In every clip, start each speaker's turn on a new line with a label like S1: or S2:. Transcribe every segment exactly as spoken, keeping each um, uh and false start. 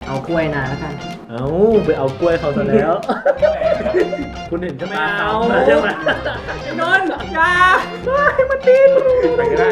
S1: เอากล้วยนาแล้วกัน
S2: เอาไปเอากล้วยเขาซะแล้ว คุณเห็นใช่ไหม
S1: ไม่เอา
S2: ใช่ไหม
S1: ไอ้นนท์อย่าให้มันดิ้น
S3: ไปก็ได้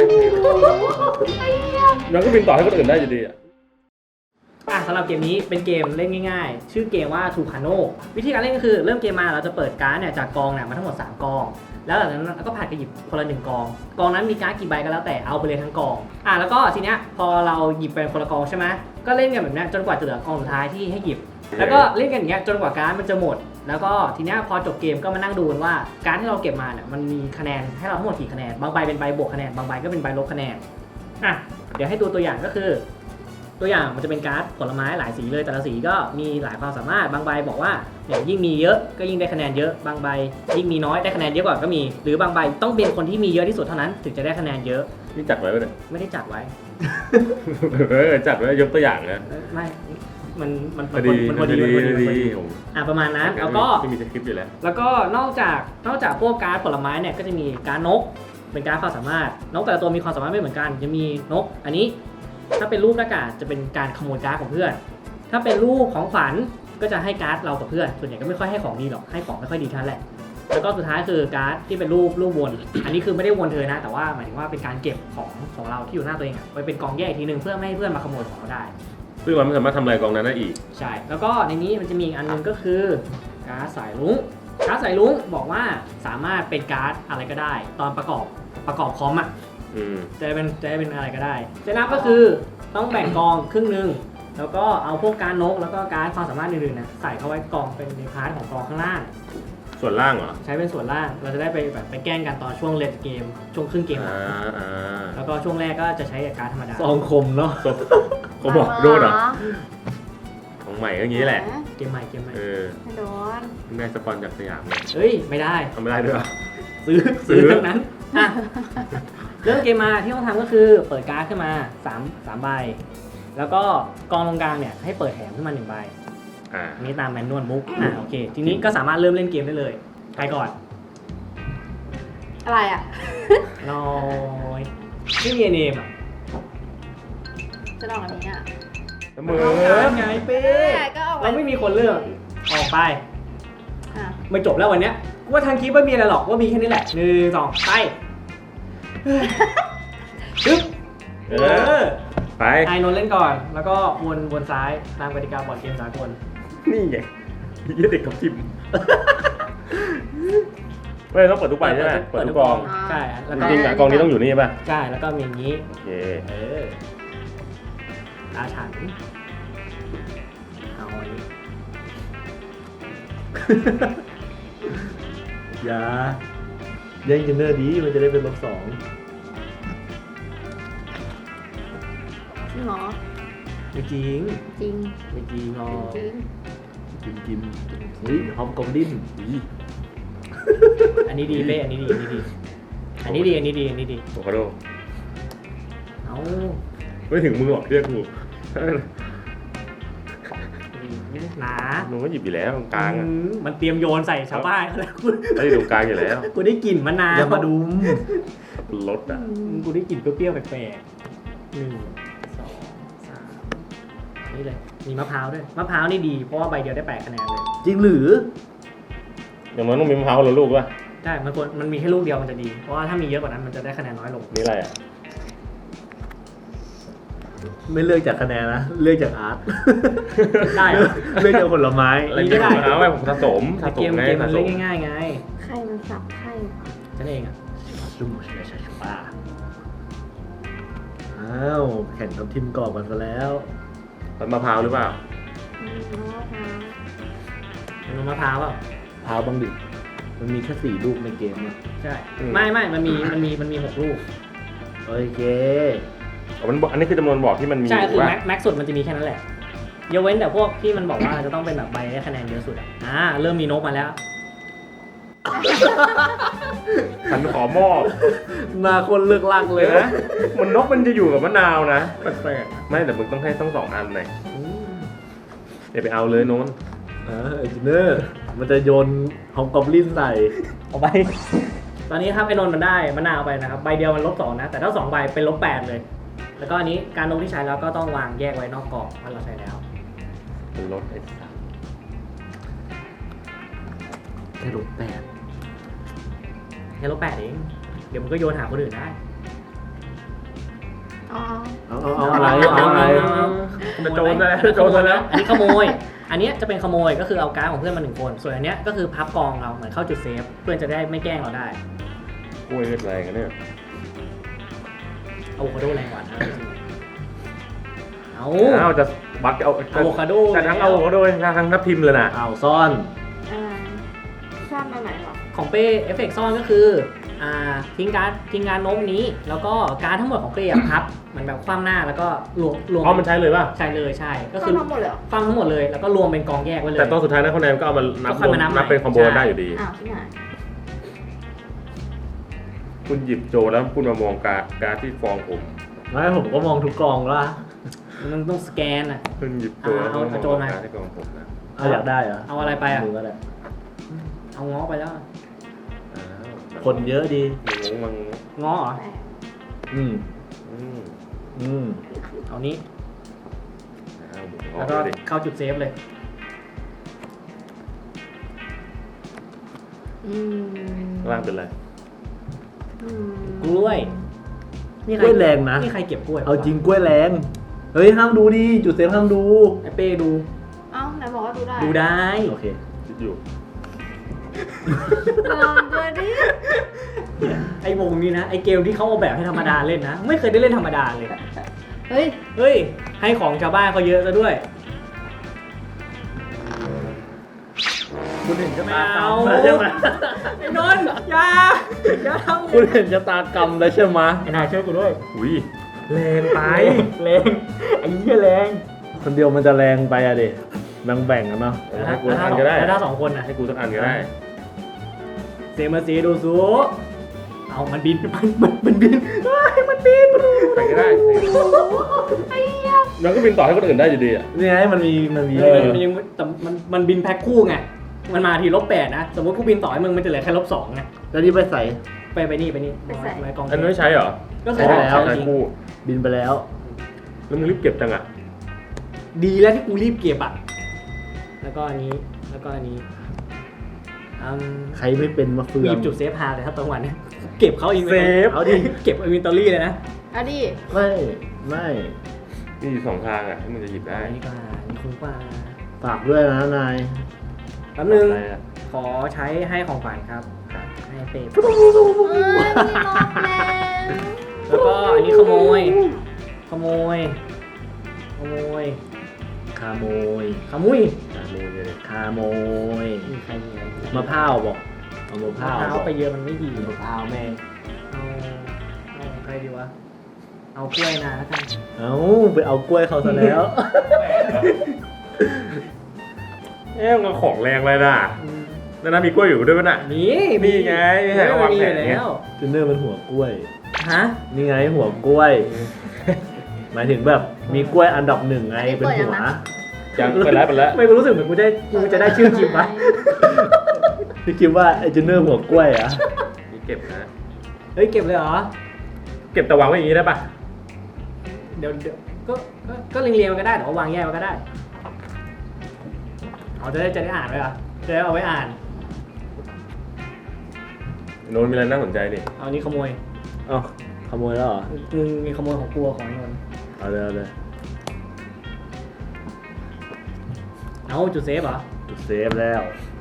S3: ยังก็บินต่อให้คนอื่นได้อยู่ดีอ่ะ
S1: อ่ะสำหรับเกมนี้เป็นเกมเล่นง่ายๆ ชื่อเกมว่าทูคาโนวิธีการเล่นก็คือเริ่มเกมมาเราจะเปิดการ์ดเนี่ยจากกองเนี่ยมาทั้งหมดสามกองแล้วหลังจากนั้นก็ผ่านกันหยิบคนละหนึ่งกองกองนั้นมีการ์ดกี่ใบก็แล้วแต่เอาไปเลยทั้งกองอ่ะแล้วก็ทีเนี้ยพอเราหยิบไปคนละกองใช่ไหมก็เล่นกันแบบนี้จนกว่าจะเหลือกองสุดท้ายที่ให้หยิบแล้วก็เล่นกันอย่างเงี้ยจนกว่าการ์ดมันจะหมดแล้วก็ทีเนี้ยพอจบเกมก็มานั่งดูกันว่าการ์ดที่เราเก็บมาเนี่ยมันมีคะแนนให้เราทั้งหมดกี่คะแนนบางใบเป็นใบบวกคะแนนบางใบก็เป็นใบลบคะแนนอ่ะเดี๋ยวให้ดูตัวอย่างก็คือตัวอย่างมันจะเป็นการ์ดผลไม้หลายสีเลยแต่ละสีก็มีหลายความสามารถบางใบบอกว่าเนี่ยยิ่งมีเยอะก็ยิ่งได้คะแนนเยอะบางใบยิ่งมีน้อยได้คะแนนเยอะกว่าก็มีหรือบางใบต้องเป็นคนที่มีเยอะที่สุดเท่านั้นถึงจะได้คะแนนเยอะ
S3: นี่จัดไว้ปะเนี่ย
S1: ไม่ได้จัดไว้
S3: เออจัดไว้ยกตัวอย่างนะ
S1: ไม่มันมัน
S3: พอดี
S1: มัน
S3: พ
S1: พ
S3: อ
S1: อ
S3: ดี
S1: ดีมันพอดี
S3: พอ
S1: มันพอ
S3: ดี
S1: ดีอ่ะประมาณนั้นแล้วก็
S3: ไม่มีสคริปต์อยู่แล้ว
S1: แล้วก็นอกจากนอกจากพวกการ์ดผลไม้เนี่ยก็จะมีการ์ดนกเป็นการ์ดความสามารถนกแต่ละตัวมีความสามารถไม่เหมือนกันจะมีนกอันนี้ถ้าเป็นรูปหน้ากากจะเป็นการขโมยการ์ดของเพื่อนถ้าเป็นรูปของฝันก็จะให้การ์ดเรากับเพื่อนส่วนใหญ่ก็ไม่ค่อยให้ของดีหรอกให้ของไม่ค่อยดีเท่านั้นแหละแล้วก็สุดท้ายคือการ์ดที่เป็นรูปรูปวนอันนี้คือไม่ได้วนเธอนะแต่ว่าหมายถึงว่าเป็นการเก็บของของเราที่อยู่หน้าตัวเองอะไว้เป็นกองแยกอีกทีนึงเพื่อไม่ให้เพื่อนมาขโมยของเราได้
S3: ซึ่งมันไม่สามารถทำลายกองนั้นได้อีก
S1: ใช่ แล้วก็ในนี้มันจะมีอีกอันหนึงก็คือการ์ดสายรุ้ง การ์ดสายรุ้งบอกว่าสามารถเป็นการ์ดอะไรก็ได้ ตอนประกอบประกอบคอมอ่ะ
S3: อืม
S1: จะเป็นจะเป็นอะไรก็ได้เซตอัพก็คือต้องแบ่งกองครึ่งหนึ่งแล้วก็เอาพวกการ์ดนกแล้วก็การ์ดความสามารถอื่นๆนะใส่เข้าไว้กองเป็นในพาร์ทของกองข้างล่าง
S3: ส่วนล่างเหรอ
S1: ใช้เป็นส่วนล่าง เราจะได้ไปแบบไปแกล้งกันตอนช่วงเลดเกม ช่วงครึ่งเกมหลั
S3: อ่าง อ่า
S1: แล้วก็ช่วงแรกก็จะใช้กับการ์ดธรรมดา
S2: ซองคมเนาะ
S3: ศพเขาบอกโดนเหรอของใหม่ก็งี้แหละ
S1: เกมใหม่เกมใหม่
S3: เออ
S4: ไม่โดน
S3: ได้สปอนจากสยามเลย
S1: เฮ้ยไม่ได้
S3: ทำไม่ได้ด้วยเหรอ
S1: ซื้อ
S3: ซื้
S1: ซื้
S3: อ
S1: อทั้งนั้นอ่ะเริ่มเกมมาที่ต้องทำก็คือเปิดการ์ดขึ้นมาสามสามใบ แล้วก็กองตรงกลางเนี่ยให้เปิดแถมขึ้นมาหนึ่งใบ
S3: อ่า
S1: อันนี้ตามแมนนวลมุกอ่ะโอเค ทีนี้ก็สามารถเริ่มเล่นเกมได้เลยใครก่อน
S4: อะไรอ่ะ
S1: น้อยชื่อเยเนมอ่ะ
S4: จะลองอันนี้อ่ะ
S3: เสมอ
S1: ไงเป้
S4: ก็เอาไว้
S1: เราไม่มีคนเลือกออกไป
S4: อ่ะ
S1: ไม่จบแล้ววันเนี้ยกูว่าทางคลิปไม่มีอะไรหรอกว่ามีแค่นี้แหละหนึ่งสองไปปึ๊บ
S3: เอ
S1: เอ
S3: อ
S1: อ
S3: ไป
S1: ไอนนท์เล่นก่อน แล้วก็วนวนซ้ายตามกติกาบอร์ดเกมสากล
S3: นี่ไงยี่เด็กกับทิมไม่ต้องเปิดทุกใบใช่ไหมเปิดทุกกอง
S1: ใช่แล้ว
S3: จ
S1: ก็
S3: ริงๆอะกองนี้ต้องอยู่นี่ป่ะ
S1: ใช่แล้วก็มีอย่างนี้
S3: โอเค
S1: เออตาฉันเอาอันนี้
S2: อย่าแย่งกันเนอร์ดีมันจะได้เป็นลบสอง
S4: จริงเหรอ
S1: ไม่จริง
S4: จริง
S1: ไม่จริงหรอก
S4: จริง
S2: กิมกิมเฮ้ยฮอมกอมดินอี
S1: อันนี้ดีเป้อันนี้ดีอันนี้ดีอันนี้ดีอันนี้ดีอันนี้ดี
S3: โอคาโด
S1: เอา
S3: ไม่ถึงมือหรอกเรียกกู
S1: หนา
S3: หนูก็หยิบอยู่แล้วตรงกลางอ่ะ
S1: อืมมันเตรียมโยนใส่ชาวบ้านเขาแล้วกู
S3: ไม่ได้ตรงกลางอยู่แล้ว
S1: กูได้กลิ่นมะนาว
S2: อย่ามาดูม
S3: รถอ่ะ
S1: กูได้กลิ่นเปรี้ยวๆแปลกๆหนึ่งสองสามนี่เลยมีมะพร้าวด้วยมะพร้าวนี่ดีเพราะว่าใบเดียวได้แปดคะแนนเลย
S2: จริงหรือ
S3: อย่างน้อยต้องมีมะพร้าวคนละลูกป่ะ
S1: ใช่มันควรมันมีแค่ลูกเดียวมันจะดี เพราะว่าถ้ามีเยอะกว่านั้นมันจะได้คะแนนน้อยลง
S3: นี่อะไรอ่ะ
S2: ไม่เลือกจากคะแนนนะเลือกจากอาร์ต
S1: ได้เหรอ
S2: เลือกจากผลไม้
S3: อะไร
S1: นี่ก็
S3: ไม่
S1: ได้
S3: ได้มะพร้าวไว้ผมสะสม
S1: แต่
S3: สะส
S1: เก
S3: ม
S1: ม
S3: ไง
S1: เกมมั
S3: สะ
S1: น
S3: ส
S1: เล่
S3: ม
S1: นง่ายๆไง
S4: ใครมันสับใครวะ
S1: นั่นเองอ่ะ
S2: ซุ่มชิชาชูป้าอ้าวแข่งกับทีมกรอบกันซะแล้ว
S3: มันมะพร้าวหรือเปล่า
S4: อืมมะพร้าว
S1: มันมะพร้าวเปล่า
S2: พาวบังดิมันมีแค่สี่ลูกในเกมอะ
S1: ใช่ไม่ไม่มันมีมันมีมันมีหกลูก
S2: โอเค
S3: อ๋อมันบอกอันนี้คือจำนวนบอกที่มันมี
S1: ใช่คือ
S3: ว่า
S1: แม็กแม็กสุดมันจะมีแค่นั้นแหละยกเว้นแต่พวกที่มันบอกว่าจะต้องเป็นแบบใบได้คะแนนเยอะสุดอ่ะอ่าเริ่มมีนกมาแล้ว
S3: ฉันขอมอบ
S2: หน้าคนเลือกลากเลย
S3: นะ มันนกมันจะอยู่กับมะนาวนะ
S1: แปลก
S3: ไม่แต่มึงต้องให้ต้องสองอันหน่อยเดี๋ยวไปเอาเลยโน้น
S2: เออเอนจิเนอร์มันจะโยนฮอมกอมลินใส่
S1: เอาไป ตอนนี้ครับไอ้นนท์มันได้มะนาวไปนะครับใบเดียวมันลบสองนะ แต่ถ้าสองใบเป็นลบแปดเลย แล้วก็อันนี้การลงที่ใช้แล้วก็ต้องวางแยกไว้นอกกรอบว่าเราใช้แล้ว
S3: รถไอ้สัส
S2: แค่รถแปด
S1: แค่ลบแปดเองเดี๋ยวมึงก็โยนหาคนอื่นได้
S4: อ๋อ
S2: เอาเอาเอาอะไรเอาอะไร
S3: จะโจรได้จะโจรได้แล้ว
S1: อันนี้ขโมย อันเนี้ยจะเป็นขโมยก็คือเอาการ์ดของเพื่อนมาหนึ่งคน ส่วนอันเนี้ยก็คือพับกองเราเหมือนเข้าจุดเซฟเพื่อนจะได้ไม่แกล้งเราได้
S3: กล้วยแรงกันเนี่ย
S1: อะโวคาโดแรงกว่านะเอา
S3: อ้าวจะบักเอา
S1: อะโวคาโด
S3: จะทั้งเอาก็โดยทั้งทับทิมเลยนะ
S2: เอาซ่อน
S4: อะไรชอบแบบไหนหรอ
S1: ของเป้เอฟเฟกต์ซ่อนก็คืออ่าทิ้งการ์ดทิ้งการ์ดโน้มนี้ แล้วก็การ์ดทั้งหมดของเป้อะพับเหมือนแบบคว่ำหน้าแล้วก็รวมรวม
S3: อ๋อมันใช้เลยป่ะ
S1: ใช่เลยใช่ก็
S4: ก็
S1: คือ
S4: ทั้งหมดเลยเหรอ
S1: คว่ำทั้งหมดเลยแล้วก็รวมเป็นกองแยกไว้เลย
S3: แต่ตอนสุดท้ายนะคะแนนก็เอามานับ
S1: ก็ค่อยมานับ
S3: นับเป็นคอมโบ
S1: ใช่
S3: ได้อยู่ดี
S4: อ้าวที่ไหน
S3: คุณหยิบโจแล้วคุณมามองการการที่ฟองผม
S2: ไม่ผมก็มองทุกกองละ
S1: มันต้องสแกนอ่ะ
S3: คุณหยิบโจแล้ว
S1: เอา
S3: คุณม
S1: เอาโจ
S3: อง
S1: มา
S3: การที่ฟองผมนะ
S2: เอาอยากได้เหรอ
S1: เอาอะไรไปอ่ะ
S2: ดูก็ได้
S1: เอาง้อไปแล้ว
S3: อ้าว
S2: คนเยอะดี
S3: มึงงงมึง
S1: ง้อเหรอ
S4: แปด
S2: อืม
S3: อืม
S2: อืม
S1: เอานี้
S3: อ้าวมึงง
S1: แล้ว
S3: ง
S1: ก็
S3: เลยดิ
S1: เข้าจุดเซฟเลย
S4: อืม
S3: ข้างล่างเป็นไร
S4: อืม
S1: กล้วยนี่
S2: กล้วยแรงนะ
S1: นี่ใครเก็บกล้วย
S2: เอาจริงกล้วยแรง เฮ้ยห้ามดูดิจุดเซฟห้ามดู
S1: ไอเป้ดู
S4: เอ้าไหนบอกว่าดูได้
S1: ดูได้
S2: โอเค
S3: คิดอยู่
S4: ลองดูดิ
S1: ไอวงนี้นะไอเกมที่เขาเอาแบบให้ธรรมดาเล่นนะ ไม่เคยได้เล่นธรรมดาเลย
S4: เฮ้ย
S1: เฮ้ย ให้ของชาวบ้านเขาเยอะซะด้วย
S2: คุณเห็นชะ
S1: ไม่
S2: ตากรร
S1: เอา
S2: มแล้วใช่ไหม
S1: ไอ้นนท์อย่าอย่าทำ
S2: คุณเห็นชะตากรรมแล้วใช่ไหม
S1: ไอ้นายช่วยกูด้วย
S3: อุ้ยแรงไป
S1: แรงไอ้เหี้ยแรง
S2: คนเดียวมันจะแรงไปอะดิแบ่งแบ่งๆกันเนาะ
S3: ให้กูสักอันก็ได้
S1: แล้วถ้าสองคนนะ
S3: ให้กูสักอันก็ได้
S1: เซมาซีดูซูเอามันบินมันมันมันบินเฮ้ยมันบิน
S3: ใครก็ได้
S4: ไอ้เหี้ย
S3: มันก็บินต่อให้คนอื่นได้อยู่ดีอ่ะ
S2: นี่ไงมันมีมันมี
S1: เออมันยังแต่มันมันบินแพ็คคู่ไงมันมาทีลบแปดนะสมมติกูบินต่อให้มึงมันจะเหลือแค่ลบสองไง
S2: แล้วนี่ไปใส่
S1: ไปไปนี่ไปนี่ไว้กอง
S3: อันนั้นไม่ใช้เหรอ
S1: ก็
S2: ใช้
S1: ใช้
S2: ไปแล้ว
S1: ใช้
S3: ใช้
S1: จริง
S3: คู่
S2: บินไปแล้ว
S3: แล้วมึงรีบเก็บจังอ่ะ
S1: ดีแล้วที่กูรีบเก็บอ่ะแล้วก็อันนี้แล้วก็อันนี้อืม
S2: ใครไม่เป็นมาเฟือ
S1: หยิ
S2: ง
S1: บจุดเซฟพาเลยครับตรงวันเนี้ยเก็บเขาอิน
S2: เซฟ
S1: เอาดิเก็บอินเวนทอรี่เลยนะ
S4: เอาดิ
S2: ไม่ไม่
S3: มีอยู่สองทางอ่ะที่มึงจะหยิบได้
S1: อันนี้ก็อันนี้คุ้มกว่า
S2: ฝากด้วยนะนาย
S1: แป๊บนึง
S3: อะไรอะ
S1: ขอใช้ให้ของขวัญครับให้เป๊ป
S4: เอ้ยมีมองแล้ว
S1: แล้วก็อันนี้ขโมย ขโมย ขโมย
S2: ขโมย
S1: ขมุย
S3: ขโมยเลย
S2: ขโมย
S1: มีใครมีอะไร
S2: มะพร้าวบอกเอามะพ
S1: มะ
S2: ร้าว
S1: พร้าว
S2: บอก
S1: ไปเยอะมันไม่ดี
S2: มะพร้าวแม่ง
S1: เอาเอาใครดีวะ เอากล้วยนาแล้วกัน
S2: เอาไปเอากล้วยเขาซะแล้ว
S3: เอ๊ะมันของแรงเลยนะนั่นนะมีกล้วยอยู่ด้วยป่ะน่ะ
S1: มี
S3: นี่ไงไม่ใช่เอาวางแผนไง
S1: แล้ว
S2: จูเนอร์เป็นหัวกล้วย
S1: ฮะ
S2: นี่ไงหัวกล้วย หมายถึงแบบมีกล้วยอันดับหนึ่งไงเป็นหัว
S3: ยังไปแล้วไปแล้ว
S1: ไม่รู้สึกเหมือนกูได้กูจะได้ชื่อคลิปปะ
S2: พี่คิดว่าไอ้จูเนอร์หัวกล้วยอะ
S3: มีเก็บนะ
S1: เฮ้ยเก็บเลยเหรอ
S3: เก็บแต่วางไว้อย่างนี้ได้ป่ะ
S1: เดี๋ยวเดี๋ยวก็ก็ก็เรียงๆมันก็ได้แต่ว่าวางแยกมันก็ได้เอาจะได้จะได้อ่านไว้เหรอจะได้เอาไว้อ่าน
S3: โน้นมีอะไรน่าสนใจดิ
S1: เอานี้ขโมย
S2: เอ้าขโมยแล้วเหรอ
S1: มึงมีขโมยของกลัวของไอ้นนท์
S2: เอาเลยเอาเลย
S1: เอาจุดเซฟเหรอ
S2: จุดเซฟแล้ว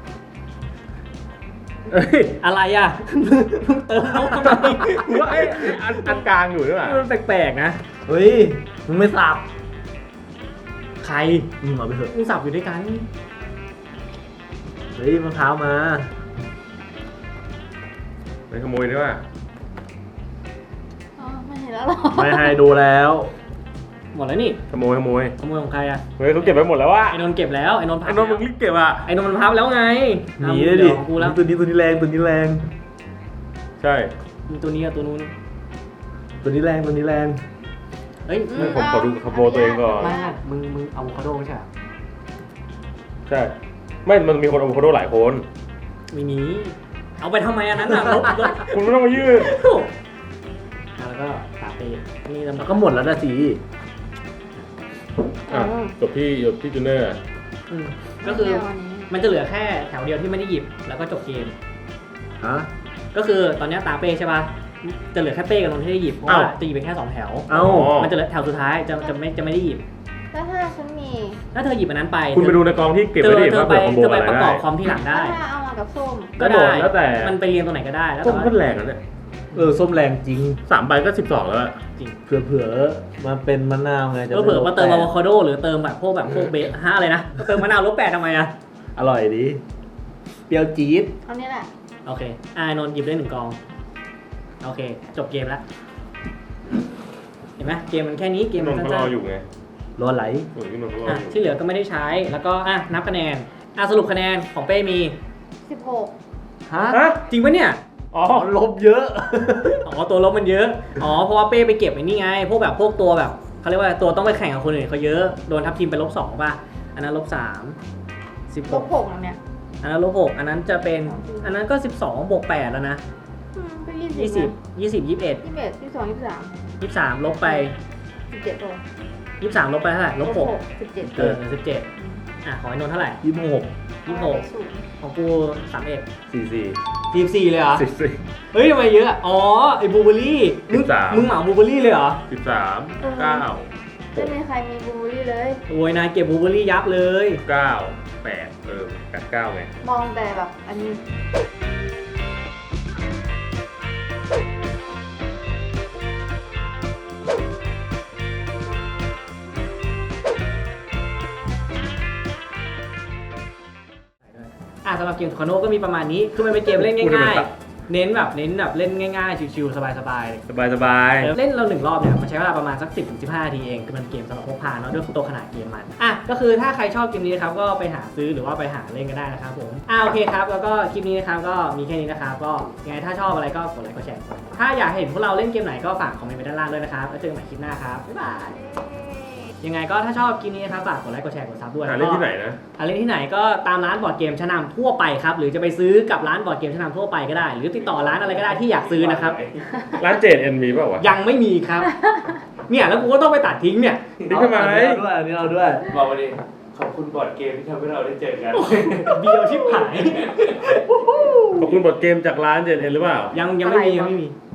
S3: เอ้ย
S1: อะไรอ่ะ มึงเติมเขาทำไม
S3: กูว่าไอ้อันอันกลางอยู่ด้วยป่ะ
S1: มันแปลกๆนะ
S2: เฮ้ยมึงไม่สับ
S1: ใคร
S2: อืมเอาไปเถอะ
S1: มึงสับอยู่ด้วยกัน
S2: เฮ้ยมะพร้าวมา
S3: ไม่ขโมยได้ป่ะ
S4: อ๋อไม่เห็นแล้วหรอ
S2: ไม่ให้ดูแล้ว
S1: หมดแล้วนี่
S3: ขโมยขโมย
S1: ขโมยของใครอ่ะ
S3: เฮ้ยเขาเก็บไปหมดแล้วว่ะ
S1: ไอ้นนท์เก็บแล้วไอ้นนท์พั
S3: ไอ้
S1: บ
S3: โน้นมึง
S1: แล้ว
S3: รีบเก็บอ่ะ
S1: ไอ้นนท์มันพับแล้วไง
S2: หนี
S1: เอา
S2: เลยดิ
S1: เดี๋ยวของกูแล้ว
S2: ตัวนี้ตัวนี้แรงตัวนี้แรง
S3: ใช่
S1: มีตัวนี้กับตัวนู้น
S2: ตัวนี้แรงตัวนี้แรง
S1: เฮ้ย
S3: ไม่ผมขอดูขโมยตัวเองก่อน
S1: ไม่ไม่มึงมึงเอาอะโวคาโดไม่ใช่เหรอ
S3: ใช่ ไม่มันมีคนเอาอะโวคาโดหลายคน
S1: ไม่มีเอาไปทำไมอันนั้นอ่ะลบลบ
S3: คุณไม่ต้องมายืด
S1: อ่ะแล้วก็ตาเป้นี่ลำ
S2: แล้วก็หมดแล้วนะสิ
S3: อ่ะจบที่จบที่จูเนอร์
S1: ออืมก็คือ
S4: แนวอันนี้
S1: มันจะเหลือแค่แถวเดียวที่ไม่ได้หยิบแล้วก็จบเกม
S2: ฮะ
S1: ก็คือตอนเนี้ยตาเป้ใช่ป่ะจะเหลือแค่เป้กับนนท์ที่ได้หยิบเพราะว่าจะหยิบไปแค่สองแถว
S2: เอ้า
S1: มันจะเหลือแถวสุดท้ายจะจะไม่จะไม่ได้หยิบ
S4: แล้วถ้าฉันมี
S1: ถ้าเธอหยิบอันนั้นไป
S3: คุณไปดูในกองที่เก็บ
S1: เธ
S3: ไว้
S1: อ
S3: ดิ
S1: เธอ
S3: ว่า
S1: ไป
S3: เผื่อคอมโบ
S1: เธอ
S3: อะ
S1: ไป
S3: ไร
S1: ประก
S3: ได้
S1: อบคอมที่หลังได้
S4: ถ้าเอามากับส้ม
S1: ก็
S3: กระโด
S1: ได้
S3: ดแล้วแต่
S1: มันไปเรียงตรงไหนก็ได้แล้ว
S3: ส้
S1: แต่
S3: ม
S1: ว่า
S3: ก็แรงนะเนี่ย
S2: เออส้มแรงจริง
S3: สามใบก็สิบสองแล้วอะ
S1: จริง
S2: เผื่อๆมาเป็นมะนาวไงจะ
S1: ก็เผื่อมาเติม
S2: ไล
S1: อะ
S2: ด
S1: โวคาโดหรือเติมแบบพวกแบบพวกเบสห้าเลยนะเติมมะนาวลบแปดทำไมอะ
S2: อร่อยดี เปรี้ยวจี๊ด
S4: เอานี้แหละ
S1: โอเคอ่านนท์หยิบได้หนึ่งกองโอเคจบเกมแล้วเห็นไหมเกมมันแค่นี้เกม
S3: น
S1: มัน
S3: นท์เขาร
S1: สั้
S3: อน อยู่ไง
S2: รอไหล
S3: เออพี่นนท์เขาร
S1: ๆ
S3: อ
S1: อ่ะ
S3: อยู่
S1: ที่เหลือก็ไม่ได้ใช้แล้วก็อ่ะนับคะแนนอ่ะสรุปคะแนนของเป้มี
S4: สิบหก
S2: ฮะ
S3: ฮะ
S1: จริงปะเนี่ย
S3: อ๋อ
S2: อ๋อลบเยอะ
S1: อ๋อตัวลบมันเยอะ อ๋อเพราะว่าเป้ไปเก็บไอ้นี่ไง พวกแบบพวกตัวแบบเขาเรียกว่าตัวต้องไปแข่งกับคนอื่นเขาเยอะ โดนทับทีมไปลบสองป่ะ อันนั้นลบสามสิบ
S4: ล
S1: ห
S4: บ
S1: ก
S4: หกแล้วเนี่ย
S1: อันนั้นลบหกอันนั้นจะเป็น อันนั้นก็สิบสองบวกแปดแล้วนะ
S4: อืมก็ยี่
S1: ยี่
S4: สิ
S1: สิ
S4: บบ
S1: ยี่สิบยี่สิบเอ็ด
S4: ยี่สิบเอ็ดยี่สิบสองยี่สิบสาม
S1: ยี่สิบสามลบไป
S4: สิบเจ็ดโล
S1: ยี่สิบสามลบไปเท่าไหร่ลบหก
S4: สิบเจ็ด
S1: เออสิบเจ็ดอ่ะของไอ้นนท์เท่าไหร่
S2: ยี่สิบหก
S1: ยี่สิบหก
S4: ศูนย์
S1: ของกูสามเอ็ด
S2: สี่สี่
S1: สี่สี่เลยเหรอ
S3: สิบสี่
S1: เฮ้ยทำไมเยอะ อ๋อไอ้บูเบอรี่มึง
S3: สิบสาม
S1: มึงเหมาบูเบอรี่เลยเหรอ
S3: สิบสามเก้า
S4: ไม่มีใครมีบลูเบอร์รี่เลย
S1: โอ้ยนายเก็บบูเบอรี่ยับเลย
S3: เก้าแปดเออแปดเก้าไง
S4: มองแต่แบบอันนี้
S1: อ่ะสำหรับเกมคาโน่ก็มีประมาณนี้ คือมันเป็นเกมเล่นง่ายๆ เน้นแบบเน้นแบบเล่นง่ายๆ ชิวๆ สบาย
S3: สบายสบาย
S1: ๆ เล่นเราหนึ่งรอบเนี่ยมันใช้เวลาประมาณสัก สิบถึงสิบห้า นาทีเอง คือมันเกมสำหรับพกพาเนาะด้วยตัวขนาดเกมมัน อ่ะก็คือถ้าใครชอบเกมนี้นะครับก็ไปหาซื้อหรือว่าไปหาเล่นกันได้นะครับผม อ่ะโอเคครับ แล้วก็คลิปนี้นะครับก็มีแค่นี้นะครับ ก็ยังไงถ้าชอบอะไรก็กดไลค์กดแชร์ ถ้าอยากเห็นพวกเราเล่นเกมไหนก็ฝากคอมเมนต์ไว้ด้านล่างด้วยนะครับ แล้วเจอกันใหม่คลิปหน้าครับ บ๊ายบาย ยังไงก็ถ้าชอบคลิปนี้นะครับฝากกดไลค์กดแชร์กดซับด้วย
S3: หาเล่นที่ไหนนะ
S1: หาเล่นที่ไหนก็ตามร้านบอร์ดเกมชั้นนำทั่วไปครับหรือจะไปซื้อกับร้านบอร์ดเกมชั้นนำทั่วไปก็ได้ หรือติดต่อร้านอะไรก็ได้ที่อยากซื้อนะครับ
S3: ร้านเจดเอ็นมีเปล่าวะ
S1: ยังไม่มีครับ เนี่ยแล้วกูก็ต้องไปตัดทิ้งเนี่ย
S3: นี่ทำไม
S2: เอาด้วยอันนี้เอาด้วย
S3: บอกมาดิขอบคุณบอร์ดเกมที่ทำให้เราได้เจอกัน
S1: เบียวชิบหาย
S3: ขอบคุณบอร์ดเกมจากร้านเจดเอ็นหรือเปล่า
S1: ยังยังไม่มียังไม่มี